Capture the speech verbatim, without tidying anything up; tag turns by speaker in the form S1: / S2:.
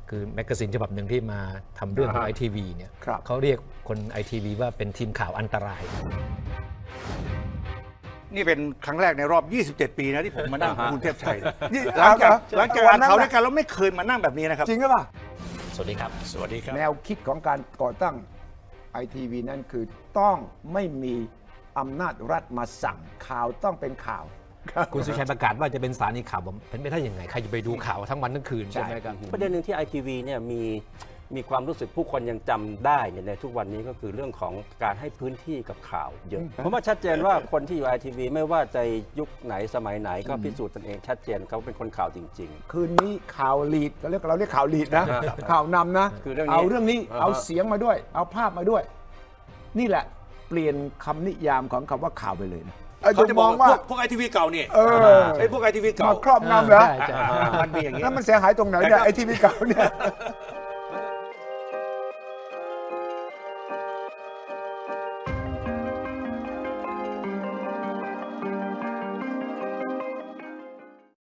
S1: คือแมกกาซีนฉบับหนึ่งที่มาทำเรื่องของไอทีวีเนี่ยเขาเรียกคนไอทีวีว่าเป็นทีมข่าวอันตราย
S2: นี่เป็นครั้งแรกในรอบ ยี่สิบเจ็ด ปีนะที่ผมมานั่งกับคุณเทพชัย
S3: นี่
S2: หลังจาก
S3: เอา
S2: หลังจากอ่านข่าวด้วยกันแล้วไม่เคยมานั่งแบบนี้นะครับ
S3: จริงหรือเปล่า
S1: สวัสดีครับ
S2: สวัสดีครับ
S3: แนวคิดของการก่อตั้งไอทีวีนั่นคือต้องไม่มีอำนาจรัฐมาสั่งข่าวต้องเป็นข่าว
S1: คุณสุชัยประกาศว่าจะเป็นสถานีข่าวผมเป็นไม่ได้ยังไงใครจะไปดูข่าวทั้งวันทั้งคืนใช่ไหมครับ
S4: ประเด็นหนึ่งที่ ไอ ที วี เนี่ยมีมีความรู้สึกผู้คนยังจำได้เนี่ยในทุกวันนี้ก็คือเรื่องของการให้พื้นที่กับข่าวเยอะเพราะว่าชัดเจนว่าคนที่อยู่ ไอ ที วี ไม่ว่าจะยุคไหนสมัยไหนก็พิสูจน์ตนเองชัดเจนเขาเป็นคนข่าวจริง
S3: คืนนี้ข่าวลีดเราเรียกเราเรียกข่าวลีดนะ ข่าวนำนะ
S4: คือเรื่องนี้
S3: เอาเรื่องนี้
S4: อ่าฮะ
S3: เอาเสียงมาด้วย เอาภาพมาด้วย นี่แหละเปลี่ยนคำนิยามของคำว่าข่าวไปเลยนะ
S2: เขาจะ
S3: ม
S2: ม
S3: อ
S2: อง ง
S3: ว่า
S2: ว่าพวกไอทีวีเก่านี่
S3: เออ
S2: ไอ้พวกไอทีวีเก่า
S3: มาครอบงำเหรอ
S1: ใช่ใช่
S2: มันมีอย่างนี้
S3: แล้วมันเสียหายตรงไหนเนี่ยไอทีวีเก่าเนี่ย